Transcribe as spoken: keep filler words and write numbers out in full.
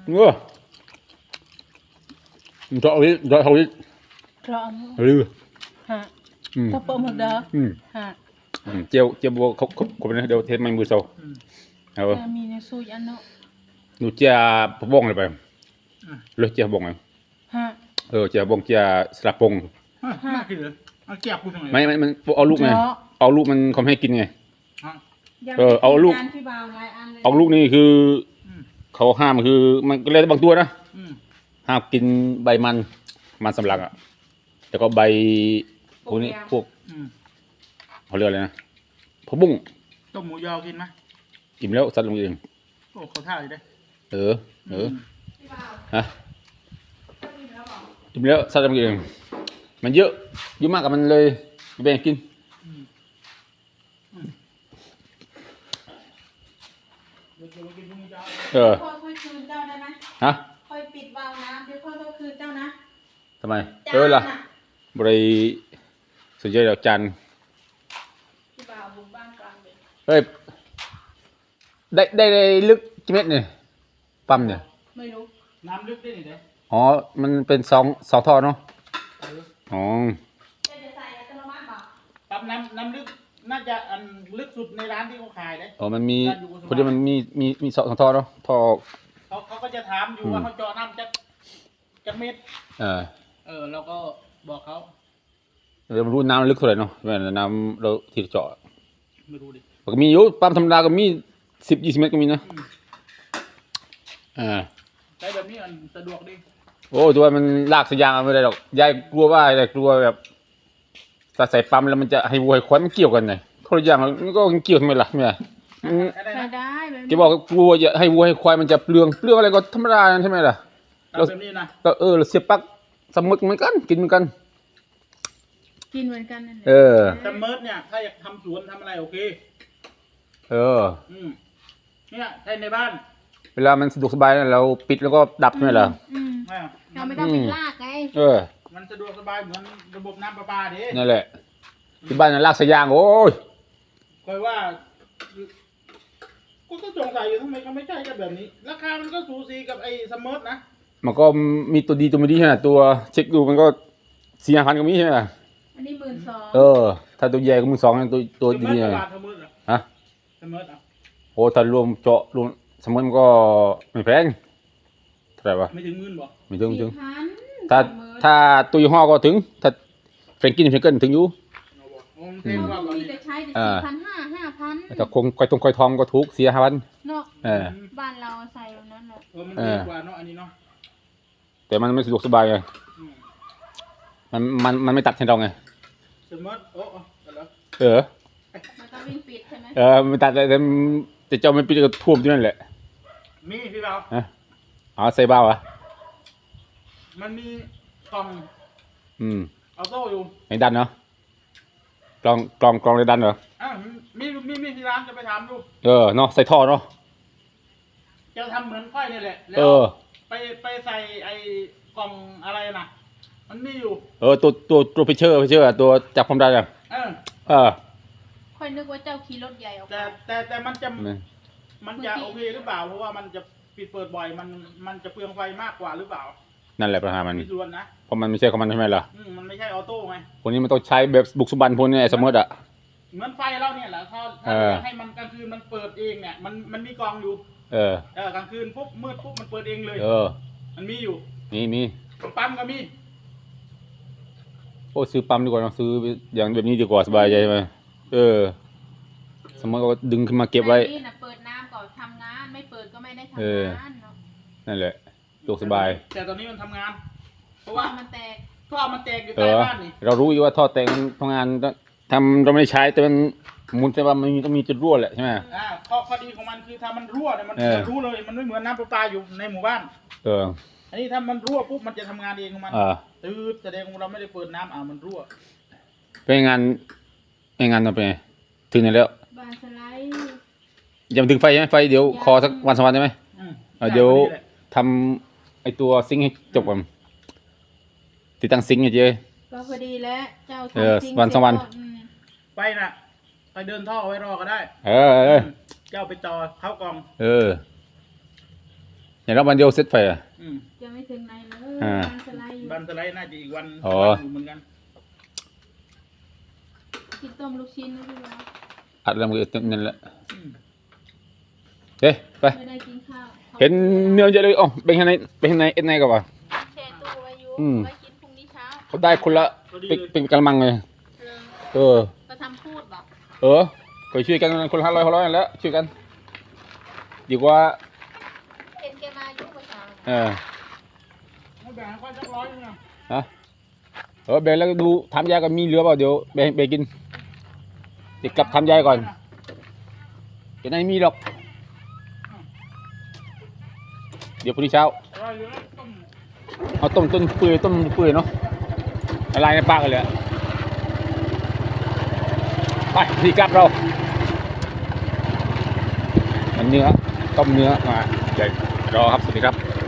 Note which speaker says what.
Speaker 1: เออมันจะเอาดิจะเอาดิ
Speaker 2: พร้อม
Speaker 1: หรือ
Speaker 2: ฮะถ้าเปิดหมดเด้อ
Speaker 1: อืม
Speaker 2: ฮะ
Speaker 1: เจียวเจียวบัวเขาเขาเขาเป็นเดี๋ยวเทสไม่มือโซ่เอา
Speaker 2: มีในซูยันเนาะ
Speaker 1: หนูเจียพะบงเลยไปเลยเจียพะบงไง
Speaker 2: ฮะ
Speaker 1: เออเจียบงเจียสลับปง
Speaker 3: น่ากินเลยเอาเกียบกูทำไม
Speaker 1: ไม่ไม่มันเอาลูกไงเอาลูกมันเขาไม่ให้กินไง เออเอาลูก
Speaker 2: พี่บ่าวหลายอันเลย
Speaker 1: เอาลูกนี่คือเขาห้ามคือมันก็เลยบางตัวนะห้ามกินใบมันมันสำลักอ่ะแล้วก็ใบพวกนี้พวกเขาเรียกอะไรนะผักบุ้ง
Speaker 3: ต้มหมูยอกินไหม
Speaker 1: อิ่มแล้วสัตว์ลงเอง
Speaker 3: โอ้เขาท่าเลยได้
Speaker 1: เออเออฮะอิ่มแล้วสัตว์ลงเองมันเยอะเยอะมากกับมันเลยแบ่งกินเออ
Speaker 2: พ่อค่อยคืนเจ้าได้ไหม
Speaker 1: ฮะ
Speaker 2: ค่อยปิดวาล์วน้ำเดี๋ยวพ่อต้องคืนเจ้านะ
Speaker 1: ทำไมเออล่ะบริสุดยอดดอกจัน
Speaker 2: พี่บ่าวบุกบ้านกลางเลย
Speaker 1: เฮ้ยได้ได้ได้ลึกกี่เมตรเนี่ยปั๊มเนี่ย
Speaker 2: ไม่รู้
Speaker 3: น้ำลึกได้หนิเด้
Speaker 1: อ๋อมันเป็นสองสองท่อเนาะอ๋อ
Speaker 2: จะจะใส่อัตโนมัติบอก
Speaker 3: ปั๊มน้ำน้ำลึกน่าจะอันลึกสุดในร้านที่เขาขายเลย
Speaker 1: อ๋อมันมีพอดีมันมีมีมีสองท่อเนาะท่อ
Speaker 3: เขาเขาก็จะถามอยู่ว่าเขาเจาะน้ำจากจากเม็ด
Speaker 1: เออ
Speaker 3: เออเราก็บอกเขา
Speaker 1: เราไม่รู้น้ำลึกเท่าไหร่เนาะแม่น้ำเราที่เจาะ
Speaker 3: ไม่รู้ดิ
Speaker 1: มันก็มีอยู่ปั๊มธรรมดาก็มีสิบยี่สิบเมตรก็มีนะอ่า
Speaker 3: ใช้แบบนี้มันสะดวกดี
Speaker 1: โอ้ตัวมันลากสายยางไม่ได้หรอกยายกลัวว่าแต่กลัวแบบถ้าใส่ปั๊มแล้วมันจะให้วัวให้ควายมันเกี่ยวกันไงคนละอย่างมันก็เกี่ยวทำไมล่ะเนี่ย
Speaker 3: ได้
Speaker 2: ใส่
Speaker 3: นะ
Speaker 2: ได้แบบ
Speaker 1: แกบอกกลัวจะให้วัวให้ควายมันจะเปลืองเปลืองอะไรก็ธรรมดาใช่ไหมล่ะ
Speaker 3: ทำแบบนี้นะ
Speaker 1: ก็เออเราเสียบปลั๊กสมุกเหมือนกันกินเหมือนกัน
Speaker 2: กินเหมือนกันนั่นแหละ
Speaker 1: เออ
Speaker 3: แต่เมิร์ดเนี่ยถ้าอยากทำสวนทำอะไรโอเค
Speaker 1: เออ
Speaker 3: อืมเนี่ยใช้ในบ้าน
Speaker 1: เวลามันสะดวกสบายนะเราปิดแล้วก็ดับใช่ไหมล่ะ
Speaker 2: อืม
Speaker 3: อ่า
Speaker 2: เราไม่ต้องไปลากไง
Speaker 1: เออ
Speaker 3: มันสะดวกสบายเหมือนระบบน้ำประปาเด้
Speaker 1: นั่นแหละที่บ้านน่ะลากสายยางโอ้ย
Speaker 3: คอยว่ากูก็สงสัยอยู่ทำไมเขาไม่ใช้กันแบบนี้ ราคามันก็สูสีกับไอ้สมิร์ทนะ
Speaker 1: มันก็มีตัวดีตัวไม่ดีใช่ไหมตัวเช็คดูมันก็สี่ห้าพันก็มีใช่ไหมล่ะ
Speaker 2: อันนี้หมื่นสอง
Speaker 1: เออ ถ้าตัวใหญ่ก็มือสองตัวตัวดี
Speaker 3: ส
Speaker 1: เนี่
Speaker 3: มิ
Speaker 1: ย
Speaker 3: ร์ทบาทสมิร์ทเหรอ
Speaker 1: ฮะ
Speaker 3: สมิร์ทอ่ะ
Speaker 1: โอ้ถ้ารวมเจาะรวมสมมติมันก็ไม่แพงเท่าไหร่วะ
Speaker 3: ไม่ถึงหมื่นบ่
Speaker 1: ไม่ถึงไม่ถึง
Speaker 2: สี่พัน
Speaker 1: ถ้า
Speaker 2: สมมติ
Speaker 1: ถ้าตัวยี่ห้อก็ถึง ถ้าเฟรนกินเฟรนเกิลถึงอยู่
Speaker 3: เอาบ่โอ้มันเท่
Speaker 2: เรา
Speaker 3: กว่า
Speaker 2: ก็
Speaker 3: บ่
Speaker 2: มี
Speaker 3: นี่
Speaker 2: แต่ใช้แต่
Speaker 1: อ่า
Speaker 2: สี่พันห้าห้าพัน
Speaker 1: แต่คงคอยตรงคอยทองก็ถูกเสียห้าพัน
Speaker 2: เนาะ
Speaker 1: เออ
Speaker 2: บ้านเราใส่แบบนั้นแหละ
Speaker 3: เออมันดีกว่าเนาะอันนี้เนาะ
Speaker 1: แต่มันไม่สะดวกสบายไง
Speaker 3: อืม
Speaker 1: มันมันมันไม่ตัดให้เราไง
Speaker 3: สมิร์ทโอ้เอาเอาแล้ว
Speaker 1: เออ
Speaker 2: มันต้องวิ่งปิดใช่ไหม
Speaker 1: เออไม่ตัดเลยแต่แต่เจ้าไม่ปิดก็ท่วมที่นั่นแหละ
Speaker 3: มีพี่เรา
Speaker 1: ฮะอ๋อใส่บ้าวอ่ะ
Speaker 3: มันมีกล่อง
Speaker 1: อืม
Speaker 3: ออโต้อยู่
Speaker 1: ในดันเนาะกลองกลองกลองในดันเหรอ
Speaker 3: อ่ะมีมีมีที่ร้านจะไปถามดู
Speaker 1: เออเนาะใส่ท่อเนาะ
Speaker 3: จะทำเหมือนค่อยนี่แหละ แล้
Speaker 1: เอ
Speaker 3: ว
Speaker 1: อ
Speaker 3: ไปไปใส่ไอ้กล่องอะไรนะมันมีอยู่
Speaker 1: เออตัวตัวตัวพิเชอร์พิเชอร์ตัวจับความดันอ่ะ
Speaker 3: เออ
Speaker 1: เออ
Speaker 2: ค่อยนึกว่าเจ้าขี่รถใหญ่ออก
Speaker 3: แต่
Speaker 2: มา
Speaker 3: แต่แต่มันจะ
Speaker 1: ไม่
Speaker 3: มันจะโอเคหรือเปล่าเพราะว่ามันจะปิดเปิดบ่อยมันมันจะเปลืองไฟมากกว่าหรือเปล่า
Speaker 1: นั่นแหละปัญหามัน
Speaker 3: มีส่วนนะ
Speaker 1: เพราะมันไม่ใช่ของมันใช่ไหมล่ะ
Speaker 3: อืมมันไม่ใช่ออโต้ไง
Speaker 1: พวกนี้มันต้องใช้แบบบุกสุบันพวกนี้ไอ้สมมติอ่ะ
Speaker 3: เหมือนไฟเราเนี่ยแหละถ้า
Speaker 1: เอ
Speaker 3: ถ้า
Speaker 1: อ
Speaker 3: จะให้มันกลางคืนมันเปิดเองเนี่ยมันมันมีกล่องอยู่
Speaker 1: เออ
Speaker 3: เออกลางคืนปุ๊บมืดปุ๊บมันเปิดเองเลย
Speaker 1: เออ
Speaker 3: มันมีอยู่
Speaker 1: มีมี
Speaker 3: ปั๊มก็มี
Speaker 1: โอ้ซื้อปั๊มดีกว่าเนอะซื้ออย่างแบบนี้ดีกว่าสบายใจไหมเออ สมมติก็ดึงขึ้นมาเก็บไว้
Speaker 2: แต่นี่นะเปิดน้ำก่อนทำงานไม่เปิดก็ไม่ได้ทำ
Speaker 1: เออ
Speaker 2: งานเนาะ
Speaker 1: นั่นแหละสะดวกสบาย
Speaker 3: แต่ตอนนี้มันทำงาน เพราะ
Speaker 2: ว่า
Speaker 3: ว่า
Speaker 2: มันแตก
Speaker 3: ท่อมันแตกอยู่
Speaker 1: เอ
Speaker 3: ใต้
Speaker 1: อ
Speaker 3: บ้านนี่
Speaker 1: เรารู้อยู่ว่าท่อแต่งมันทำงานทำเราไม่ได้ใช้แต่มันหมุนแต่ว่ามันมีต้องมีจุดรั่วแหละใช่ไหม
Speaker 3: อ่าข้อข้อดีของมันคือถ้ามันรั่วเนี่ยมัน
Speaker 1: เออ
Speaker 3: จะรู้เลย มันไม่เหมือนน้ำประปาอยู่ในหมู่บ้าน
Speaker 1: เออ
Speaker 3: อันนี้ถ้ามันรั่วปุ๊บมันจะทำงานเองของมัน
Speaker 1: อ่า
Speaker 3: ตืดแสดงว่าเราไม่ได้เปิดน้ำอ่ามันรั่ว
Speaker 1: เป็นงานเป็นงานต่อไปไงถึงไหนแล้ว
Speaker 2: บานสไลด์
Speaker 1: ยังถึงไฟใช่ไหมไฟเดี๋ยวคอสักวันสองวันใช่ไหม
Speaker 3: อืม
Speaker 1: เออเดี๋ยว
Speaker 3: นี่แหละ
Speaker 1: ทำไอตัวซิงค์ให้จบก่อนติดตั้งซิงค์ให้เจ๊
Speaker 2: ก็พอดีแล้วเจ้า
Speaker 1: เออ
Speaker 2: ทำจริง
Speaker 1: วันสองวัน
Speaker 2: เสร็จก็อืม
Speaker 3: ไปน่ะ ไปเดินท่อเอาไว้รอก็ได้
Speaker 1: เออเออ
Speaker 3: เจ้าไปต่อเข้ากล่อง
Speaker 1: เอออย่างเราวันเดียวเสร็จไฟอ่ะ
Speaker 3: อืม
Speaker 2: จะไม่ถึงไหนเลย
Speaker 1: อ่า
Speaker 2: บ้านสไลด์อยู่
Speaker 3: บันสไลด์น่าจะอีกวัน
Speaker 1: อ๋อ
Speaker 3: วันอยู่เหมือนกัน
Speaker 2: กินต้มลูกชิ้นไม่ได้หรอ
Speaker 1: อัดแล้วมันก็นั่นแหละ
Speaker 3: อืม
Speaker 1: เฮ้ยไป
Speaker 2: ไม่ได้กินข้าว
Speaker 1: เห็นเนื้อเยอะเลยอ๋อเป็นข้างในเป็นข้างในเอ็นในกับว่า
Speaker 2: แช่ตู้ไว้อยู่
Speaker 1: อืม
Speaker 2: ไว้กินพรุ่งนี้เช้า
Speaker 1: เขาได้คนละ
Speaker 3: พอดี
Speaker 1: เป็น
Speaker 3: เลย
Speaker 1: เป็นกระมังเลย
Speaker 2: เออ
Speaker 1: เออ
Speaker 2: ก็ทำพูดบอก
Speaker 1: เออก็ช่วยกันคนละห้าร้อยห้าร้อยแล้วช่วยกันดีกว่า
Speaker 2: เห็นแกมาอยู่เมื่อเช้า
Speaker 1: เออ
Speaker 3: ไม่แบ่งให้ค่อยสักร้อยนึงนะ
Speaker 1: ฮะเออแบ่งแล้วก็ดูทำยายก่อนมีเหลือเปล่าเดี๋ยวแบ่งแบ่งกินเดี๋ยวกลับทำยายก่อนเดี๋ยวไม่มีหรอกเดี๋ยวพรุ่งนี้เช้า
Speaker 3: อร่อยอยู่นะต้ม
Speaker 1: เอาต้มต้นเปื่อยต้มเปื่อยเนาะละลายในปากกันเลยอะไปที่กลับเรามันเนื้อต้มเนื้อมาเดี๋ยวรอครับสวัสดีครับ